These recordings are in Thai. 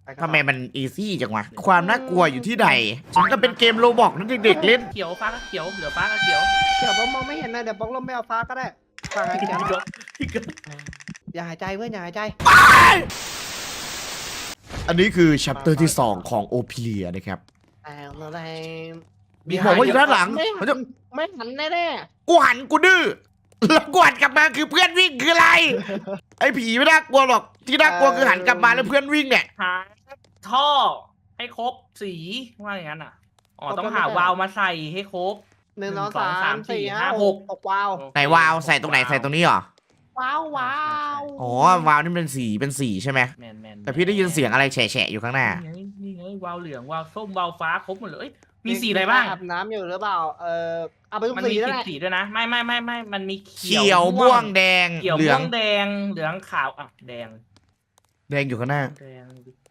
ทำไมมันอีซี่จังวะความน่ากลัวอยู่ที่ใดฉันก็เป็นเกมโรบอกนั่นเด็กๆเล่นเขียวฟ้าก็เขียวเหลือฟ้าก็เขียวเดี๋ยวผมมองไม่เห็นนะเดี๋ยวบอกลมไม่เอาฟ้าก็ได้ฟังไอ้เขียวอย่าหายใจเพื่อนอย่าหายใจอันนี้คือชัปเตอร์ที่ 2 ของโอเพียนะครับอะไรบอกว่าอยู่ด้านหลังไม่หันแน่กูหันกูดื้อแล้วกวดกลับมาคือเพื่อนวิ่งคืออะไร ไอ้ผีไม่น่ากลัวหรอกที่น่ากลัวคือหันกลับมาแล้วเพื่อนวิ่งเนี่ยหาท่อให้ครบสีว่าอย่างนั้นอ่ะอ๋อต้องหาวาล์วมาใส่ให้ครบ 1 2 1 2 3 3 4 4 5 5 6วาวไหนวาวใส่ตรงไหนใส่ตรงนี้เหรอว้าวว้าวอ๋อวาวนี่เป็นสีใช่ไหมแมนแต่พี่ได้ยินเสียงอะไรแฉะๆอยู่ข้างหน้านี่ไงวาล์วเหลืองวาล์วส้มวาล์วฟ้าครบหมดเลยมีสีอะไรบ้างอาบน้ำอยู่หรือเปล่าเอาไปทุกมันสีมีนั่นแหละสีด้วยนะไม่มันมีเขียวม่วงแดงเขียวเหลืม่อวงงแดงเหลืองขาวอ่ะแดงแดงอยู่ข้างหน้าแดง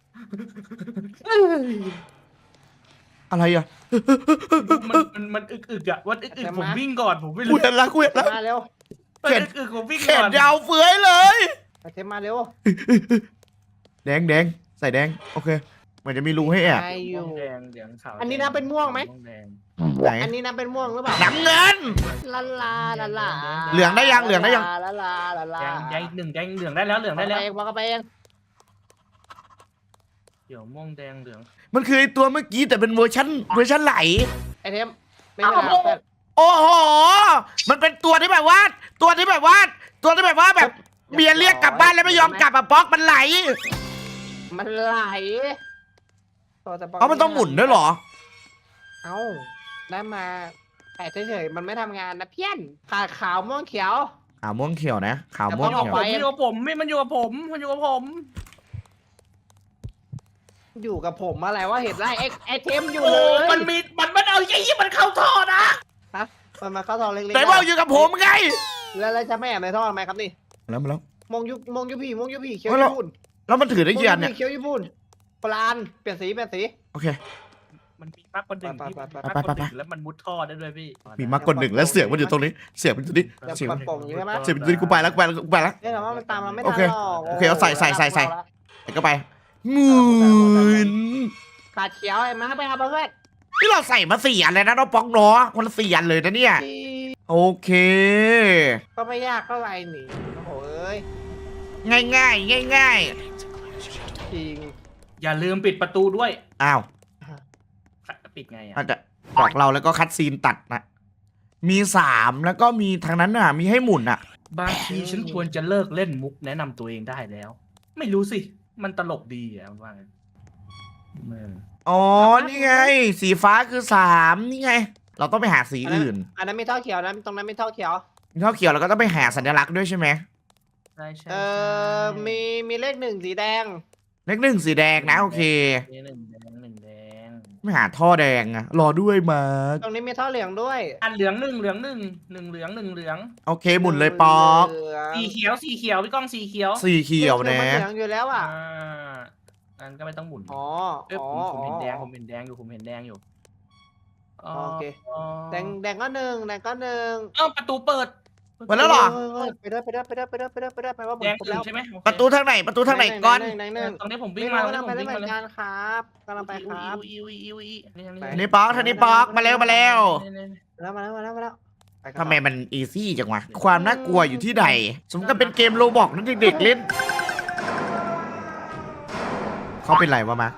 อะไรอ่ะมันอึกอ่ะวันอึกผมวิ่งก่อนผมไม่กูรู้เห็นแล้วกูเห็นแล้วมาเร็วมันอึกผมวิ่งแขก่อน นยาวเฟือยเลยเทมมาเร็วแดงใส่แดงโอเคมันจะมีรูให้แอบใครอยู่แดงเหลืองขาวอันนี้นะเป็นม่วงไหมแดงไหนอันนี้นะเป็นม่วงหรือเปล่าน้ำเงินลาลาลาลาเหลืองได้ยังเหลืองได้ยังลาลาลาลาแดงหนึ่งแดงเหลืองได้แล้วเหลืองได้แล้วบอกไปเองเขียวม่วงแดงเหลืองมันคือไอ้ตัวเมื่อกี้แต่เป็นเวอร์ชันไหลไอเทมไม่เป็นไรแบบโอ้โหมันเป็นตัวที่แบบว่าแบบเมียเรียกกลับบ้านแล้วไม่ยอมกลับอะป๊อกมันไหลมันไหลเอามันต้องหมุนด้วยเหรอเอ้าได้มาแต่เฉยๆมันไม่ทำงานนะเพี้ยนขาดขาวม่วงเขียวขาวม่วงเขียวนะขาวม่วงแต่เขียวต้ผงมอยู่กับผมไม่มันอยู่กับผมมันอยู่กับผมอยู่กับผมอะไรว่าเห็นไรไอเทมอยู่โอ้เลยมันเอาไอ้ยี่มันเข้าท่อนะฮะมันมาเข้าท่อเล็กๆไหนบอกอยู่กับผมไงแล้วจะไม่แอบในท่อทำไมครับนี่แล้วมาแล้วมองยุพี่เขียวญี่ปุ่นแล้วมันถือได้กี่อันเนี่ยเขียวญี่ปุ่นปลานเปลี่ยนสีโอเคมันมีมากกว่าหนึ่งที่ไปมากกว่าหนึ่งแล้วมันมุดท่อได้ด้วยพี่มีมากกว่าหนึ่งแล้วเสียงมันอยู่ตรงนี้เสียงมันอยู่ตรงนี้เดี๋ยวเสียงปัมันดโป่งอยู่ใช่ไหมเสียงมันอยู่ตรงนี้กูไปแล้วเนี่ยแต่ว่ามันตามเราไม่โอทันเคหรอกโอเคเอาใส่ใส่ก็ไปหมื่นขาดเขียวไอ้มาไปครับเพื่อนนี่เราใส่มา4 อันเลยนะน้องป๊อกเนาะคนละ4 อันเลยนะเนี่ยโอเคก็ไม่ยากเท่าไหร่หนิโอ้โหเอ้ยง่ายจริงอย่าลืมปิดประตูด้วยอ้าวปิดไงอ่ะอาจจะบอกเราแล้วก็คัดซีนตัดนะมี3แล้วก็มีทางนั้นน่ะมีให้หมุนอ่ะบางทีฉันควรจะเลิกเล่นมุกแนะนำตัวเองได้แล้ว ไม่รู้สิมันตลกดีอ่ะว่าไงอ๋อนี่ไง สีฟ้าคือ3นี่ไง เราต้องไปหาสีอื่นอันนั้นไม่เท่าเขียวนะตรงนั้นไม่เท่าเขียวมีเท่าเขียวเราก็ต้องไปหาสัญลักษณ์ด้วยใช่ไหมใช่ใช่มีเลข1สีแดงเลข1สีแดงนะโอเคนี่หนึ่งแดงไม่หาท่อแดงอะรอด้วยมาร์คตรงนี้มีท่อเหลืองด้วยอันเหลืองหนึ่งเหลืองโอเคหมุนเลยป๊อกเหลืองสีเขียวพี่ก้องสีเขียวสีเขียวนะมันเหลืองอยู่แล้วอ่ะงั้นก็ไม่ต้องหมุนอ๋อเอ้ยผมเห็นแดงผมเห็นแดงอยู่โอเคแดงก็หนึ่งเอ้าประตูเปิดหมดแล้วเหรอไปด้วยไปว่าแดงอื่นใช่ไหมประตูทางไหนก่อนแดงหนึ่งตรงนี้ผมวิ่วิ่งงมามาแล้วไปผมได้วิ่งเหมืมาอนแล้วกันครับกำลังไปครับทางนี้ป๊อกมาแล้วแล้วทำไมมันอีซี่จังวะความน่ากลัวอยู่ที่ใดสมกับเป็นเกมโรบอกนั่นเด็กๆเล่นเขาเป็นไรวะมา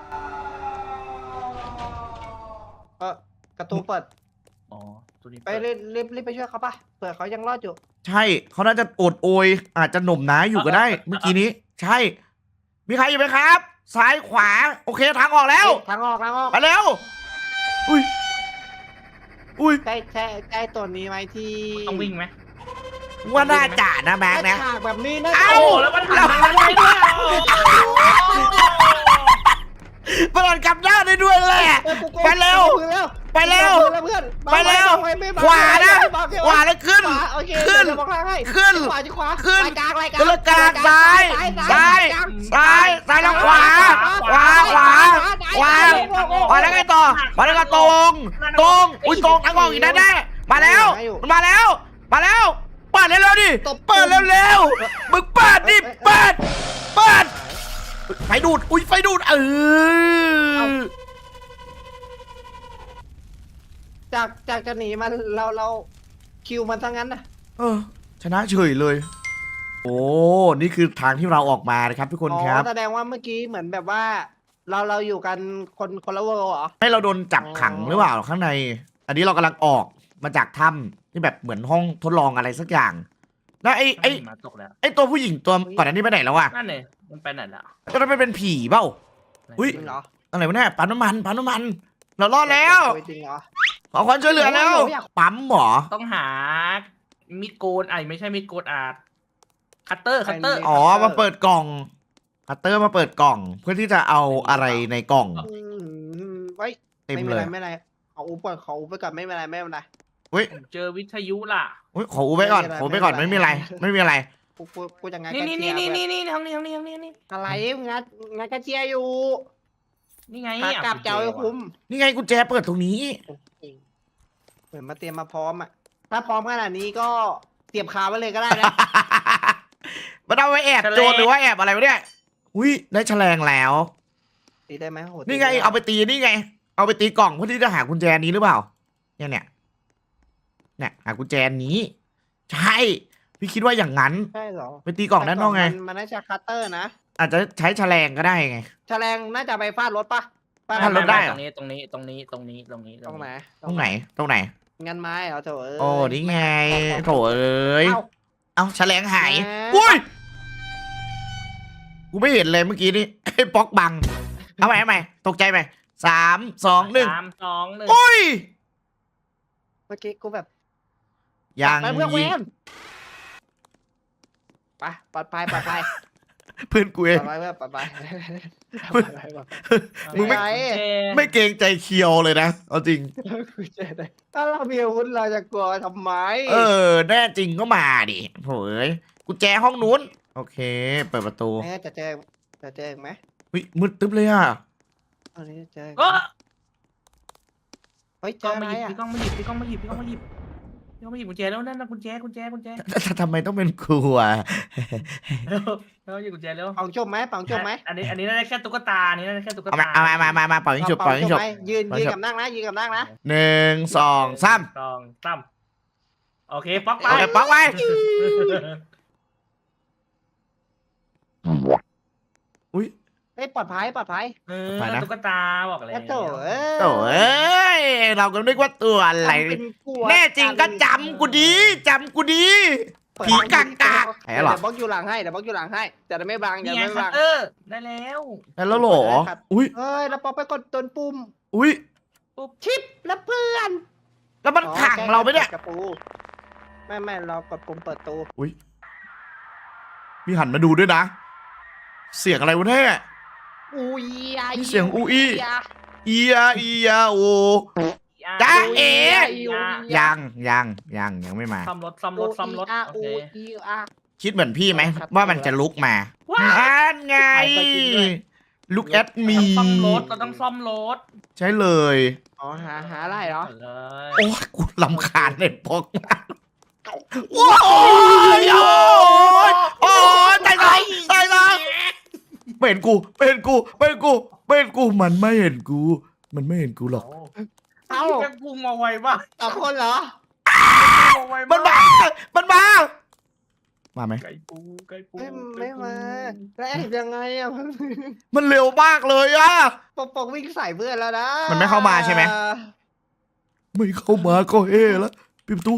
กระตูเปิดอ๋อตัวนี้ไปรีบไปช่วยเขาป่ะเผื่อเขายังรอดอยู่ใช่เขาน่าจะโอดโอยอาจจะหน่มหนาอยู่ก็ได้ เมื่อกี้นี้ ใช่ มีใครอยู่ไหมครับ ซ้ายขวาโอเคทางออกแล้วทางออกไปเร็วอุ้ยใกล้ตัวนี้ไหมที่ต้องวิ่งไหมว่าน่าจะนะแม็กนะฉากแบบนี้นะเอ้าโอ้แล้วมันหันมาได้ด้วยเปิดกลับด้านได้ด้วยแหละไปเร็ว ไปเร็ว ไปเร็ว ขวานะขวาแล้วขึ้น ขึ้น ขึ้น ขึ้นแล้วกลางซ้ายแล้วขวาแล้วไงต่อมาแล้วก็ตรงอุ้ยตรงทางออกอีกแน่มาแล้วเปิดเร็วดิเปิดเร็วมึงเปิดดิเปิดไฟดูดอุ้ยไฟดูดจากจะหนีมันเราคิวมันซะงั้นนะชนะเฉยเลย โอ้นี่คือทางที่เราออกมานะครับทุกคนครับแสดงว่าเมื่อกี้เหมือนแบบว่า เราอยู่กันคนละเวอร์เหรอให้เราโดนจับขังหรือเปล่าข้างใน อันนี้เรากำลังออกมาจากถ้ำที่แบบเหมือนห้องทดลองอะไรสักอย่างแล้วไอ้มาตกแล้วไอ้ตัวผู้หญิงตัวก่อนอันนี้ไปไหนแล้ววะนั่นเลยมันไปไหนแล้วตอนนั้นมันเป็นผีเปล่า อุ๊ยจริงเหรออะไรวะเนี่ยปั๊มน้ำมันเรารอดแล้วจริงเหรอขอความช่วยเหลือแล้วโอ้ยอยากปั๊มหมอต้องหามีดโกนไม่ใช่มีดโกนคัตเตอร์อ๋อมาเปิดกล่องคัตเตอร์มาเปิดกล่อง เพื่อที่จะเอาอะไรในกล่องไว้เต็มไม่เลยไม่เป็นไรเอาอุปก่อนขออุปไปก่อนไม่เป็นไรไม่เป็นไรผมเจอวิทยุล่ะอุ๊ยขออูไปก่อนไม่ขอเป็นไรไปก่อนไม่ไม่เป็นไรมีอะไรกูจะงานนี่กระนี่เจียนี่เว้ยทางนี้อะไรงานกระเจียอยู่นี่ไงขากลับเจ้าไอ้คุ้มนี่ไงกุญแจเปิดตรงนี้เหมือนมาเตรียมมาพร้อมอ่ะถ้าพร้อมขนาดนี้ก็เตรียมคาไว้เลยก็ได้นะมันเอาไว้แอบโจรหรือว่าแอบอะไรวะเนี่ยอุ้ยได้แฉลงแล้วตีได้ไหมโหนี่ไงเอาไปตีนี่ไง เอาไปตีกล่องเพื่อที่จะหากุญแจนี้หรือเปล่า เนี่ยหากุญแจนี้ ใช่ พี่คิดว่าอย่างนั้นใช่เหรอไปตีกล่องด้านนอกไงมันน่าจะคัตเตอร์นะอาจจะใช้แฉลงก็ได้ไงแฉลงน่าจะไปฟาดรถปะฟาฟาดรถได้ตรงนี้ตรงนี้ตรงไหนตรงไหนงานไม้เหรอโถเอ้ยโอ้นี่ไงโถเอ้ยเอ้าเอาแฉลงหายแหมอุ้ย กูไม่เห็นเลยเมื่อกี้นี่ ไอ้ป๊อกบัง เอาใหม่ตกใจไหม3 2 1 3 2 1 อุ้ยเมื่อกี้กูแบบยังไปเพื่อนเวยิงนไปปลอดภัยปลอดภัยเพื่อนกูเองปลอดภัยเพื่อนปลอดภัยมึงไม่เกรงใจเคียวเลยนะ เอาจริงกูเจอได้ถ้าเรามีอาวุธเราจะกลัวทำไมแน่จริงก็มาดิโถ่เอ้ยกุญแจห้องนู้น โอเค เปิดประตูจะเจอไหมวิมืดตึ๊บเลยอ่ะอันนี้เจอก็เฮ้ยเจกล้อองอะไรมาหยิบอ่ะพี่กล้องมาหยิบกุญแจแล้วนั่นนะกุญแจทำไมต้องเป็นกูอ่ะแล้วหยิบกุญแจแล้วปังจบไหมปังจบไหมอันนี้น่าจะแค่ตุ๊กตาอันนี้น่าจะแค่ตุ๊กเอาตามาเป่ายิงฉุบเป่ายิงฉุบไหมยืนกับนั่งนะยืนกับนั่งนะ 1 2 3 2 3โอเคป๊อกไปโอเคป๊อกไว้ อุ้ยเฮ้ยปลอดภัยไปนะตุ๊กตาบอกเลยแล้วโถโถ่เอ้ย เราก็นึกว่าตัวอะไร แน่จริงก็จำกูดีผีกากแผลหรอเดี๋ยวบล็อกอยู่หลังให้จะได้ไม่บังนี่จะไงไม่คับัตงเตอร์ได้แล้วแล้วเหรอ อุ้ยเฮ้ยแล้วปอไปกดต้นปุ่มอุ้ยปุ๊บชิปแล้วเพื่อนแล้วมันขังเราไหมเนี่ยกระปูไม่เรากดปุ่มเปิดตู้มีหันมาดูด้วยนะ เสียงอะไรวะเนี่ยอูยนี่เสียงอูอี้ อียาโอ จ๊ะเอ๋ ยังไม่มาซ่อมรถโอเคคิดเหมือนพี่ไหมว่ามันจะลุกมาอันไง ลุกแอดมีเราต้องซ่อมรถใช่เลยอ๋อหาอะไรเหรอเลยโอ้ยกูลำคาญเน็ตพกมากโอ้ยโอ้ยตายแล้วเป็นกูมันไม่เห็นกูหรอกเอ้าแกพุ่งมาไวป่ะต่อคนเหรอมันมาไหมไก่ปูไม่มาแล้วแอบยังไงอ่ะมันเร็วมากเลยอะปกวิ่งใส่เพื่อนแล้วนะมันไม่เข้ามาใช่ไหม ไม่เข้ามาก็เฮ่แล้วปิดประตู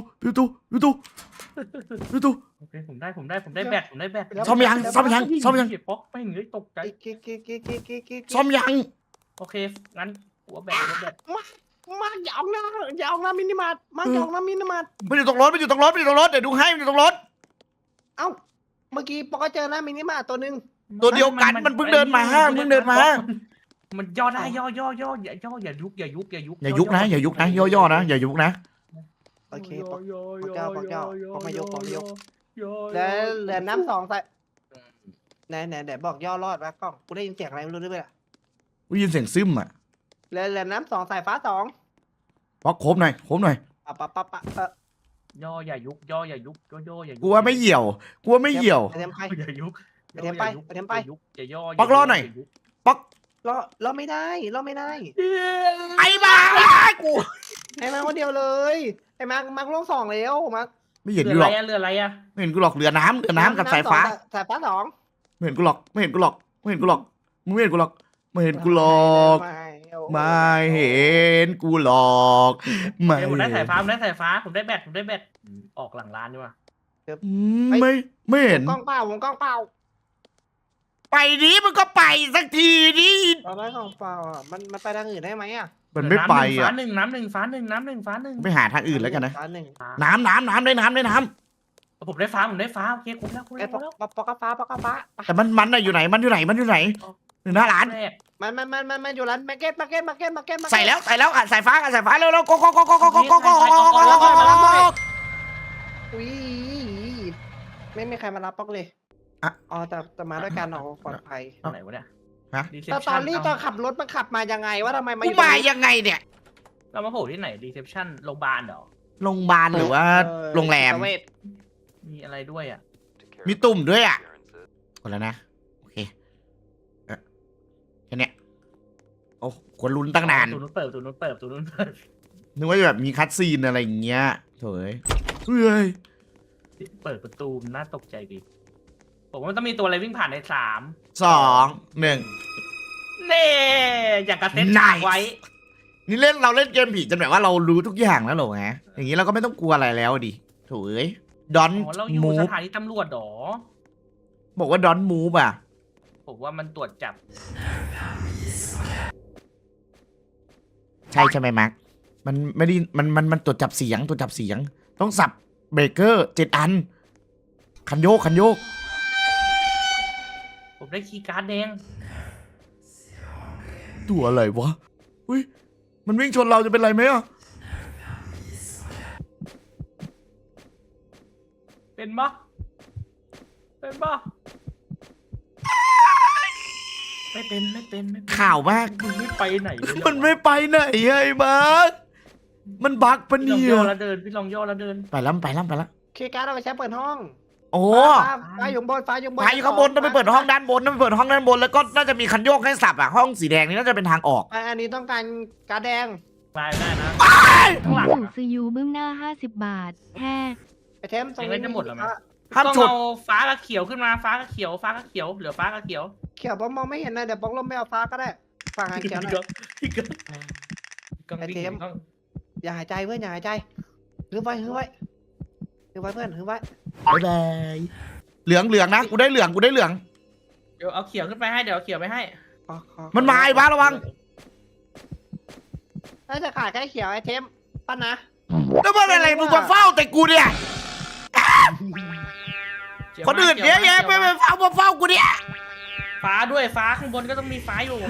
โอเคผมได้แบตซ่อมยังป๊อกไม่เงยตกใจซ่อมยังโอเคงั้นหัวแบตมาอย่าออกนะมินิมาร์ทมาอย่าออกนะมินิมาร์ทมันอยู่ตรงรถเดี๋ยวดูให้มันอยู่ตรงรถเอ้าเมื่อกี้ปอกก็เจอนะมินิมาร์ทตัวนึงตัวเดียวกันมันเพิ่งเดินมามันย่อได้ย่ออย่ายุกอย่ายุกนะย่อนะอย่ายุกนะโอเคปอกมายกแล้วเหลือน้ำ2ใส่ไหนเดี๋ยวบอกย่อรอดวะกล้องกูได้ยินเสียงอะไรไม่รู้ด้วยได้ยินเสียงซึมอ่ะเหลือน้ำ2สายฟ้า2 ป๊อกโคบหน่อยปะย่ออย่ายุกกูว่าไม่เหี่ยวเตรียมใครอย่ายุกไปเทมไปไปเทมไปอย่าย่อป๊อกรอหน่อย ป๊อกรอไม่ได้รอไม่ได้ไอ้บ้ากูไอ้มาคนเดียวเลยไอ้มาร์คลงสองแล้วมาร์คไม่เห็นเรือกูอะหรไรอกอะเรืออะไรอะไม่เห็นกูหรอกเรือน้ำกับสายฟ้าสายฟ้าสองไม่เห็นกูหรอกไม่เห็นกูหรอกไม่เห็นกูหรอกมึงไม่เห็นกูหรอกไม่เห็นกูหรอก ไม่เห็นกูหรอกไม่ผมได้สายฟ้าผมได้สายฟ้าผมได้แบตออกหลังร้านดีกว่าไม่เห็นวงกล้องเปล่าวงกล้องเปล่าไปดิมันก็ไปสักทีดิตอนแรกของเปล่าอ่ะมันไปทางอื่นได้ไหมอ่ะมันไม่ไปฟ้าอ่ะหนึ่งน้ำหนึ่งฟ้าหนึ่งน้ำหนึ่งฟ้าหนึ่งไปหาทางอื่นแล้วกันนะฟ้าหนึ่งน้ำได้น้ำผมได้ฟ้าผมได้ฟ้าโอเคคุ้มแล้วไอ้ปอกกระฟ้าแต่มันน่ะอยู่ไหนมันอยู่ไหนอยู่หน้าร้านแรกมันอยู่ร้านมาร์เก็ตใส่แล้วอ่ะสายฟ้าเร็วโกอุ้ยไม่มีใครมารับป๊อกเลยอ๋อแต่มาด้วยกันเอาปลอดภัยไหนวะเนี่ยแต่ตอนนี้ตอนขับรถมันขับมายังไงว่าทำไมมาอกูยู่มายังไงเนี่ยเรามาโผล่ที่ไหนรีเซพชันโรงพยาบาลเหรอโรงพยาบาลหรือว่าโรงแรมมีอะไรด้วยอ่ะมีตุ่มด้วยอ่ะหมดแล้วนะโอเคแค่เนี้ยโอ้ควรลุ้นตั้งนานตัวนู้นเปิดตัวนู้นเปิดตัวนู้นเปิดนึกว่าจะแบบมีคัดซีนอะไรอย่างเงี้ยโถ่เฮ้ยเปิดประตูน่าตกใจดีผมว่ามันต้องมีตัวอะไรวิ่งผ่านใน3 2 1 เน่อย่างกระเซ็ต Nice ไว้นี่เราเล่นเกมผีจนแบบว่าเรารู้ทุกอย่างแล้วเหรอฮะอย่างนี้เราก็ไม่ต้องกลัวอะไรแล้วดิโถ่ดอนอ๋อเราอยู่มูสฟถานีตำรวจเหรอบอกว่าดอนมูฟอ่ะผมว่ามันตรวจจับใช่ไหมมาร์คมันไม่ได้มันตรวจจับเสียงต้องสับเบรกเกอร์7 อันคันโยกผมได้คีย์การ์ดแดงตัวอะไรวะอุ้ยมันวิ่งชนเราจะเป็นไรไหมอ่ะเป็นปะไม่เป็นข่าวมากมันไม่ไปไหนเลยเหรอมันไม่ไปไหนไอ้มาร์คมันบั๊กปะพี่ลองเนี่ยย่อแล้วเดินพี่ลองย่อแล้วเดินไปแล้วคีย์การ์ดเอาไปใช้เปิดห้องโอ้ฟ้าอยู่บนพายอยู่ข้างบนต้องไปเปิดห้องด้านบนแล้วก็น่าจะมีคันโยกให้สับอ่ะห้องสีแดงนี่น่าจะเป็นทางออกอันนี้ต้องการการ์ดแดงได้นะข้างหลังหมูซียูบึ้มหน้า50 บาทแค่ไอเทมตรงนี้จะหมดแล้วไหมห้ามต้องชนเอาฟ้ากับเขียวขึ้นมาฟ้ากับเขียวเหลือฟ้ากับเขียวเขียวมองไม่เห็นนะเดี๋ยวป๊อกลมไม่เอาฟ้าก็ได้ฟังหายเขียวหน่อย ไอ้เทม อย่าหายใจเพื่อนอย่าหายใจฮึบไว้เพื่อนฮึบไว้บ๊ายบายเหลืองนะกูได้เหลืองเดี๋ยวเอาเขียวขึ้นไปให้เดี๋ยวเอาเขียวไปให้มันมาไอ้บ้าระวังถ้าจะขาดแค่เขียวไอเทมปั้นนะแล้วมันอะไรมึงมาเฝ้าแต่กูเนี่ยคนอื่นเยอะแยะไปเฝ้ากูเนี่ยฟ้าด้วยฟ้าข้างบนก็ต้องมีฟ้าอยู่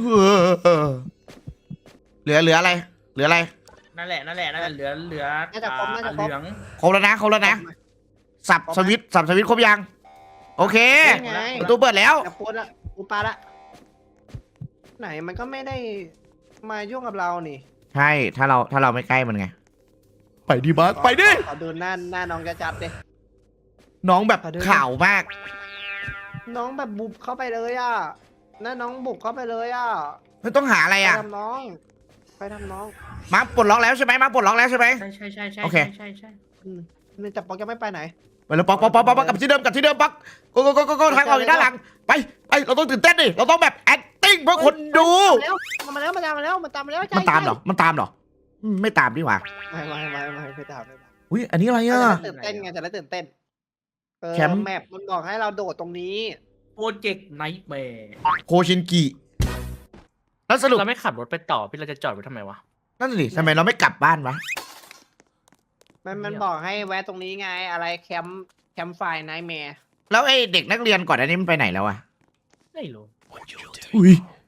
เหลืออะไรนั่นแหละเหลือเหลืองครบแล้วนะสับสวิตช์ครบยังโอเคประตูเปิดแล้วแต่พูดละกูปาละไหนมันก็ไม่ได้มายุ่งกับเรานี่ใช่ถ้าเราไม่ใกล้มันไงไปดิบัสไปดิขอดูหน้าน้องจะจัดดิน้องแบบข่าวมากน้องแบบบุกเข้าไปเลยอ่ะหน้าน้องบุกเข้าไปเลยอ่ะไม่ต้องหาอะไรไปอ่ะทำน้องมาปลดล็อกแล้วใช่ไหมใช่โอเคนี่จับป๊อกยังไม่ไปไหนไปแล้วป๊อกกลับที่เดิมป๊อกก็ทางออกอยู่ด้านหลังไปเราต้องตื่นเต้นดิเราต้องแบบ acting เพื่อคนดูมันตามมาแล้วมันตามเหรอไม่ตามดีกว่าไม่ตามอุ้ยอันนี้อะไรอ่ะตื่นเต้นไงจะได้ตื่นเต้นแคมป์แมปมันบอกให้เราโดดตรงนี้โปรเจกต์ไนท์แมร์โคชินกิแล้วสรุปเราไม่ขับรถไปต่อพี่เราจะจอดไว้ทำไมวะนั่นสิทำไมเราไม่กลับบ้านวะมันบอกให้แวะตรงนี้ไงอะไรแคมป์ไฟไนท์แมร์แล้วไอ้เด็กนักเรียนก่อนอันนี้มันไปไหนแล้วอ่ะไม่รู้อุ้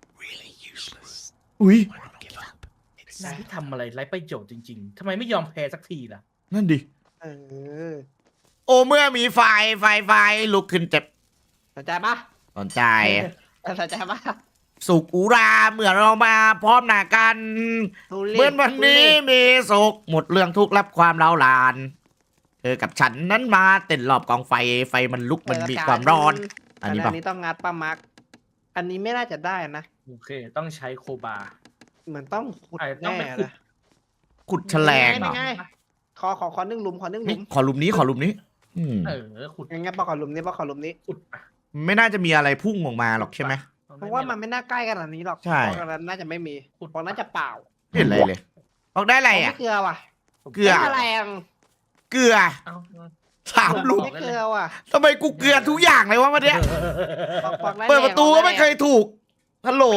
ยนายที่ทำอะไรไร้ประโยชน์จริงๆทำไมไม่ยอมแพ้สักทีล่ะนั่นดิเออโอเมื่อมีไฟลุกขึ้นเจ็บสนใจปะสนใจสนใจปะสุขอุราเมื่อเรามาพร้อมหน้ากันทุเรศเมื่อวันนี้มีสุขหมดเรื่องทุกข์รับความเล่าลานเธอกับฉันนั้นมาเต้นรอบกองไฟมันลุกมันมีความร้อนอันนี้ป่ะอันนี้ต้องงัดปลามาร์กอันนี้ไม่น่าจะได้นะโอเค ต้องใช้โคบาเหมือนต้องขุดอาจจะต้องแน่ไปขุดนะขุดแฉลงเหรอนี่ไงขอ1 หลุมขอ1 หลุนี่มขอหลุมนี้ขอหลุมนี้ขุดงั้นปอกขอหลุมนี้ปอกขอหลุมนี้ขุดไปไม่น่าจะมีอะไรพุ่งออกมาหรอกใช่ไหมเพราะว่ามันไม่น่าใกล้ขนาดนี้หรอกใช่เพราะฉะนั้นน่าจะไม่มีเพราะน่าจะเปล่าไม่เห็นอะไรเลยออกได้อะไรอ่ะไม่เกลือว่ะเกลือไม่แรงเกลือเอา 3 หลุมไม่เกลือว่ะทำไมกูเกลือทุกอย่างเลยวะวันเนี้ยปอกได้เปิดประตูก็ไม่เคยถูกฮัลโหล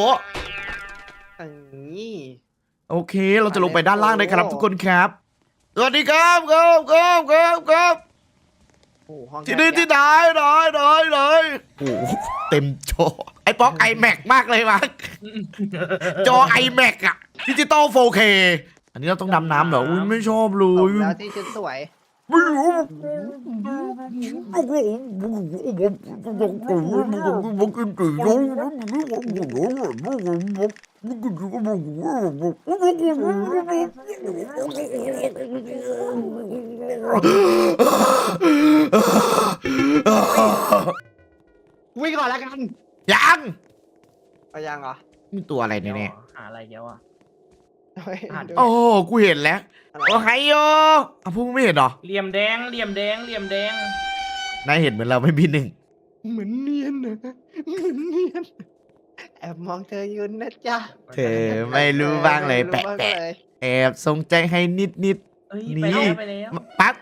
นี่โอเค เราจะลงไปด้านล่างได้ครับทุกคนครับสวัสดีครับครับโอ้โหห้องที่นี่ที่ไหนโอ้โหเต็มจอไอ้ป๊อก iMac มากเลยมั้งจอ iMac อะดิจิตอล 4K อันนี้เราต้องดำน้ำเหรออุ้ยไม่ชอบเลสมยแล้วที่ชุดสวยไม่รู้วิ่งก่อนแล้วกันยังเอายังเหรอมีตัวอะไรแน่หาอะไรเดี๋ยวอ่ะเฮ้ยอ่านดูๆโอ้กูเห็นแล้วอะไรโอ้ไฮโยอ่ะพวกมึงไม่เห็นเหรอเหลี่ยมแดงเหลี่ยมแดงเหลี่ยมแดงนายเห็นเหมือนเราไม่มีหนึ่งเหมือนเนียนนะเหมือนเนียนแอบมองเธออยู่นะจ๊ะเธอไม่รู้บ้างเลยไม่รู้บ้างแปะเลยๆแอบทรงใจให้นิดเอ้ยนี่ไปแล้วๆปั๊บ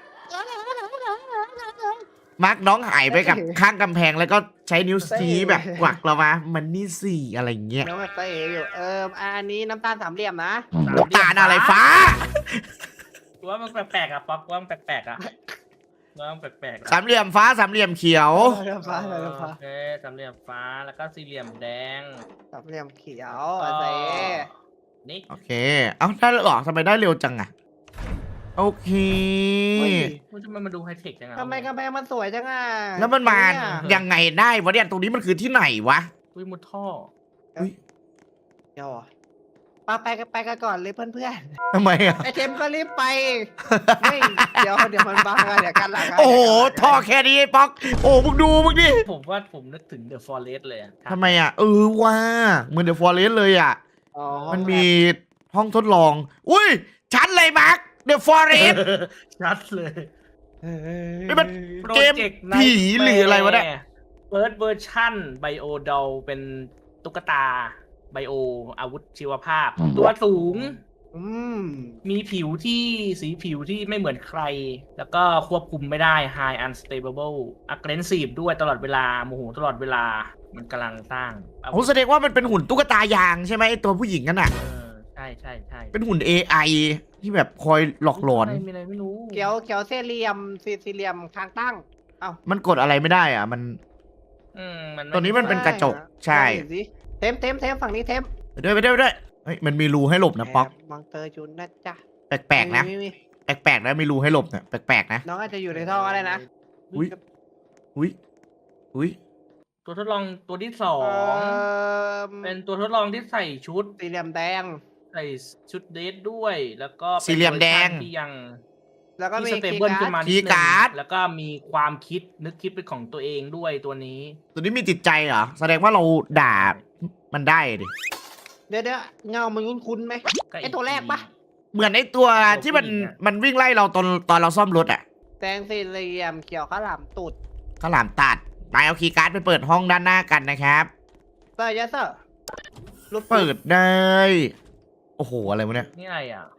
มาร์กน้องหายไปกับข้างกำแพงแล้วก็ใช้นิ้วชี้แบบกวักเรามามันนี่สี่อะไรเงี้ยน้องมาเตะอยู่อันนี้น้ำตาล3 เหลี่ยมนะตาอะไรฟ้าว่ามันแปลกๆอ่ะป๊อกว่ามันแปลกๆอ่ะว่ามันแปลกๆอะสามเหลี่ยมฟ้าสามเหลี่ยมเขียวเรือฟ้าเรือฟ้าโอเคสามเหลี่ยมฟ้าแล้วก็สี่เหลี่ยมแดง 3 เหลี่ยมเขียวอ๋อเตะนี่โอเค เอ้าได้หรอทำไมได้เร็วจังอะโอเคมันจะมาดูไฮเทคยังไงทำไมกำแพงมันสวยจังอ่ะแล้วมันมาเนี่ยยังไงได้วะเนี่ยตรงนี้มันคือที่ไหนวะอุ้ยมุดท่อเดี๋ยวเหรอไปกันก่อนเลยเพื่อนทำไมอะๆไอเทมก็รีบไปไม่เดี๋ยวมันบังอะเดี๋ยวกันหลังะโอ้โหเดี๋ยวกันหลังะท่อแค่นี้ไอ้ป๊อก โอ้มึงดูมึงดิผมว่าผมนึกถึงเดอะฟอเรสเลยอะทำไมอะว่าเหมือนเดอะฟอเรสเลยอะอ๋อมันมีห้องทดลอง อุ้ยชัดเลยมาร์คเดอะฟอเรสชัดเลยนี่มัน เกมผีหรืออะไรวะเนี่ยเฟิร์สเวอร์ชั่นไบโอดอลเป็นตุ๊กตาไบโออาวุธชีวภาพ ตัวสูงอืมมีผิวที่สีผิวที่ไม่เหมือนใคร แล้วก็ควบคุมไม่ได้ High Unstable Aggressive ด้วยตลอดเวลาโมโหตลอดเวลามันกำลังสร้างผมแสดงว่ามันเป็นหุ่นตุ๊กตายางใช่ไหมไอตัวผู้หญิงนั่นน่ะใช่ใช่ใช่เป็นหุ่น AI ที่แบบคอยหลอกหลอนมีอะไรไม่รู้เขียวสี่เหลี่ยมสี่เหลี่ยมคางตั้งมันกดอะไรไม่ได้อ่ะ มันมันตัวนี้มันเป็นกระจก ใช่ได้สิเทมฝั่งนี้เทมไปด้วยเฮ้ยมันมีรูให้หลบนะป๊อกมองเตอร์จุนนะจ๊ะแปลกๆนะมีแปลกๆนะมีรูให้หลบเนี่ยแปลกๆนะน้องอาจจะอยู่ในท่ออะไรนะอุ้ยอุ้ยตัวทดลองตัวที่สอง เป็นตัวทดลองที่ใส่ชุดสี่เหลี่ยมแดงใส่ชุดเดทด้วย แล้วก็ป็นสี่เหลี่ยมแดงวอร์ชันที่ยังแล้วก็มีที่สเตเบิลขึ้นมานิดคีย์นึการ์ดงแล้วก็มีความคิดนึกคิดเป็นของตัวเองด้วยตัวนี้ตัวนี้มีจิตใจเหรอ แสดงว่าเราด่ามันได้ดิเดี๋ยวเงามันคุ้นๆไหม ไอ้ตัวแรกปะเหมือนไอตัวที่มันวิ่งไล่เราตอนเราซ่อมรถอ่ะแดงสี่เหลี่ยมเขียวข้าวหลามตูดข้าวหลามตัดไปเอาคีย์การ์ดไปเปิดห้องด้านหน้ากันนะครับเซอร์ยัสเซอร์รถเปิดได้ โอ้โห อะไรวะเนี่ยนี่อะไรอ่ะ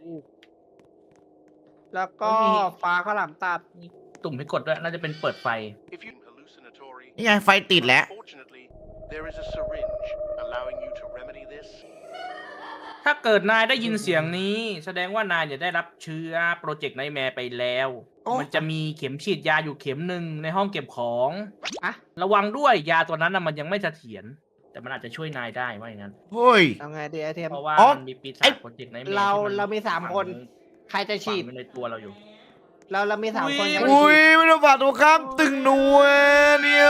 แล้วก็ฟ้าข้าวหลามตัดมีตุ่มให้กดด้วย น่าจะเป็นเปิดไฟ If you hallucinatory, นี่ไงไฟติดแล้ว unfortunately, there is a syringe allowing you to remedy this. ถ้าเกิดนายได้ยินเสียงนี้ แสดงว่านายจะได้รับเชื้อโปรเจกต์ไนท์แมร์ไปแล้วโอ้มันจะมีเข็มฉีดยาอยู่เข็มหนึ่งในห้องเก็บของอะระวังด้วยยาตัวนั้นน่ะมันยังไม่เสถียรแต่มันอาจจะช่วยนายได้ว่าอย่างนั้นเฮ้ยเอาไงดีไอเทมเพราะว่าอ๋อมันมีปีศาไอ้จโปรเจกต์ไนท์แมร์เรามี3 คน ใครจะฉีดฝังไว้ในตัวเราอยู่เรามี3 คนใครจะอุ้ยฉีดไม่ต้องฝากตัวข้ามตึงนัวเนี่ย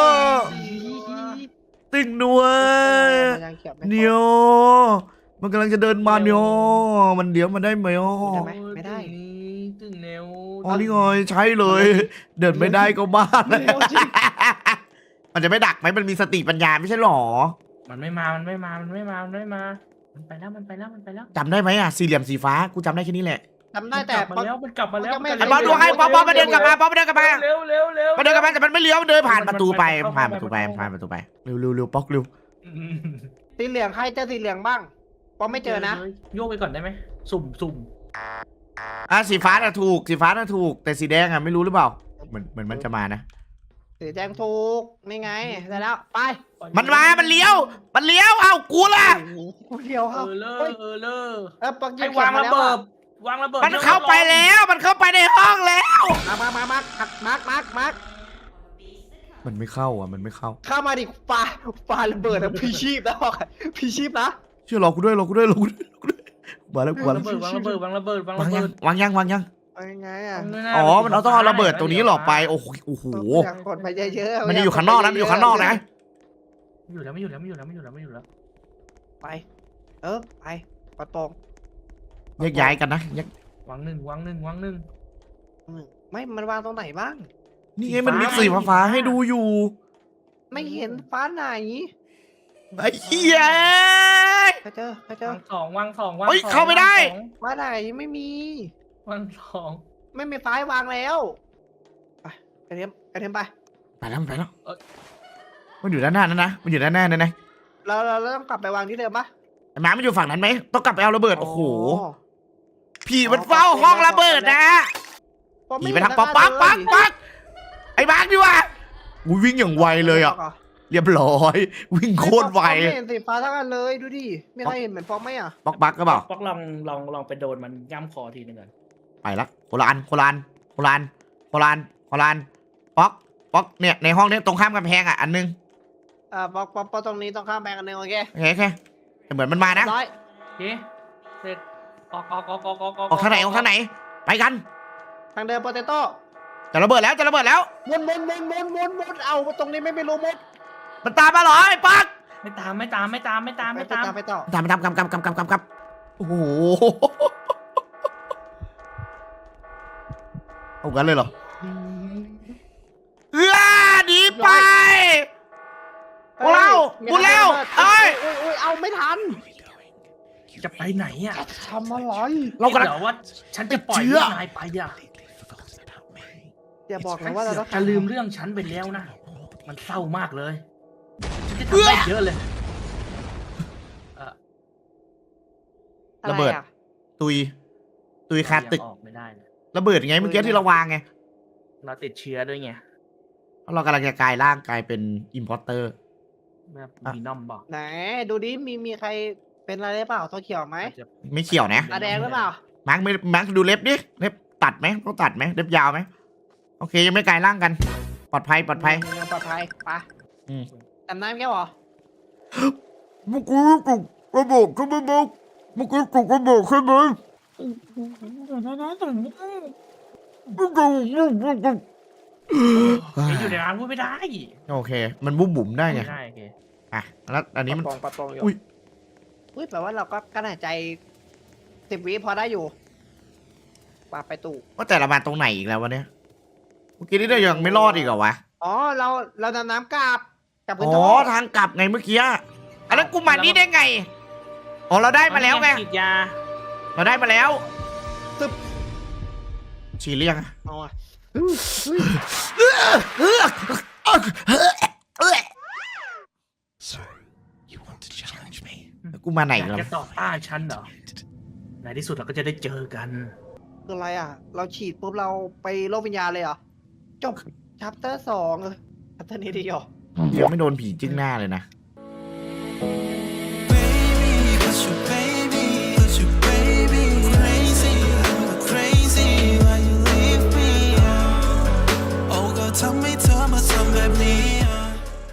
ตึงนัวมันยังเขียวไม่เนียวมันกำลังจะเดินมาเนียวมันเดี๋ยวมันได้ไหมอ๋อได้ไหมไม่ได้ตึงแนวอ๋อนี่ไงใช้เลย เดินไม่ได้ก็บ้าเลยโอ้จริงมันจะไม่ดักไหมมันมีสติปัญญาไม่ใช่หรอมันไม่มามันไปแล้วจำได้ไหมอะสี่เหลี่ยมสีฟ้ากูจำได้แค่นี้แหละจำได้แต่มันกลับมาแล้วไอ้บอลดูให้บอลมาเดินกลับมามาเดินกลับมาเร็วมาเดินกลับมาแต่มันไม่เลี้ยวมันเดินผ่านประตูไปผ่านประตูไปเร็วป๊อกเร็วสีเหลืองใครเจอสีเหลืองบ้างปอมไม่เจอนะโยกไปก่อนได้ไหมสุ่มสีฟ้าน่ะถูกแต่สีแดงอะไม่รู้หรือเปล่าเหมือนมันจะมานะสีแดงถูกนี่ไงได้แล้วไปมันเลี้ยวเอ้ากูล่ะกูเดียวครับปักให้วางระเบิดมันเข้าไปแล้วมันเข้าไปในห้องแล้วมามันไม่เข้าอ่ะมันไม่เข้าเข้ามาดิปาระเบิดนะพี่ชีพนะพี่ชีพนะเชื่อรอกูด้วยมาแล้ววางระเบิดวางยังไงอ่ะอ๋อมันต้องเอาระเบิดตัวนี้หลอกไปโอ้โหอยากกดไปเยอะๆมันอยู่ข้างนอกนะอยู่ข้างนอกนะอยู่แล้วไปไปปะตงแยกย้ายกันนะวางหนึ่งไม่มันวางตรงไหนบ้างนี่ไงมันมีสีฟ้าให้ดูอยู่ไม่เห็นฟ้าไหนไอ้เหี้ยไปเจอวางสองเฮ้ยเข้าไม่ได้ฟ้าไหนไม่มีวางสองไม่มีฟ้าวางแล้วไปเทมไปไปแล้วมันอยู่ด้านหน้านั่นนะมันอยู่ด้านหน้านั่นนะเราต้องกลับไปวางที่เดิมปะไอ้หมามันอยู่ฝั่งนั้นไหมต้องกลับไปเอาระเบิดโอ้โหผีมันเฝ้าห้องระเบิดนะผีไปทางปักไอ้บ้าดิวะวิ่งอย่างไวเลยอ่ะเรียบร้อยวิ่งโคตรไวไม่เห็นสีฟ้าทั้งอันเลยดูดิมีใครเห็นเหมือนฟองไหมอ่ะปักก็เปล่าป๊อกลองไปโดนมันย่ำคอทีนึงก่อนไปละโคลานป๊อกเนี่ยในห้องนี้ตรงข้ามกำแพงอ่ะอันนึงปอตรงนี้ต้องข้ามแบงกันหนึ่งโอเคโอเคเหมือนมันมานะร้อยเสร็จออกออกทางไหนไปกันทางเดินโปเตโต้จะระเบิดแล้ววนเอาตรงนี้ไม่รู้มุดมันตามมาเหรอไอ้ปักไม่ตามไปต่อตามโอ้โหเอากันเลยเหรอหนีไปกูเร็วเอ้ยเอาไม่ทันจะไปไหนอ่ะทำอะไรเรากำลังเดี๋ยวว่าฉันจะปล่อยนายไปอ่ะอย่าบอกนะว่าเราต้องจะลืมเรื่องฉันไปแล้วนะมันเศร้ามากเลยฉันจะทำได้เยอะเลยระเบิดตุยคาตึกออกไม่ได้นะระเบิดไงเมื่อกี้ที่เราวางไงเราติดเชื้อด้วยไงเรากำลังจะกลายร่างกลายเป็นอิมพอร์เตอร์แบบมีนอมบอกไหนดูดิมีใครเป็นอะไรเปล่าตัวเขียวไหมไม่เขียวนะตาแดงหรือเปล่ามาร์คดูเล็บดิเล็บตัดไหมต้องตัดไหมเล็บยาวไหมโอเคยังไม่กลายร่างกันปลอดภัยยังปลอดภัยไปจำได้ไหมแกหรอมุกุกุกระบอกขึ้นมาบุกมุกุกุกระบอกขึ้นมาอยู่ในร้านพูดไม่ได้โอเคมันบุ๋มได้ไงไม่ได้โอเคอ่ะแล้วอันนี้มันปะตองอยู่อุ้ยแปลว่าเราก็กั้นหายใจ10 วิพอได้อยู่ปาไปตู่ว่าแต่ละมาตรงไหนอีกแล้ววะเนี่ยเมื่อกี้นี่เรายังไม่รอดอีกเหรอวะอ๋อเราดำน้ำกลับพื้นอ๋อท้องทางกลับไงเมื่อกี้อันนั้นกูมานี่ได้ไงอ๋อเราได้มาแล้วไงฉีดยาเราได้มาแล้วฉีดเรียงเอาอ่ะกูมาไหนอยากแล้วจะต่อต้านฉันเหรอในที่สุดเราก็จะได้เจอกันคืออะไรอ่ะ เราฉีดปุ๊บเราไปโลกวิญญาณเลยเหรอจบชัปเตอร์ 2ชัปเตอร์นี้ดีเหรอยังไม่โดนผีจึ้งหน้าเลยนะ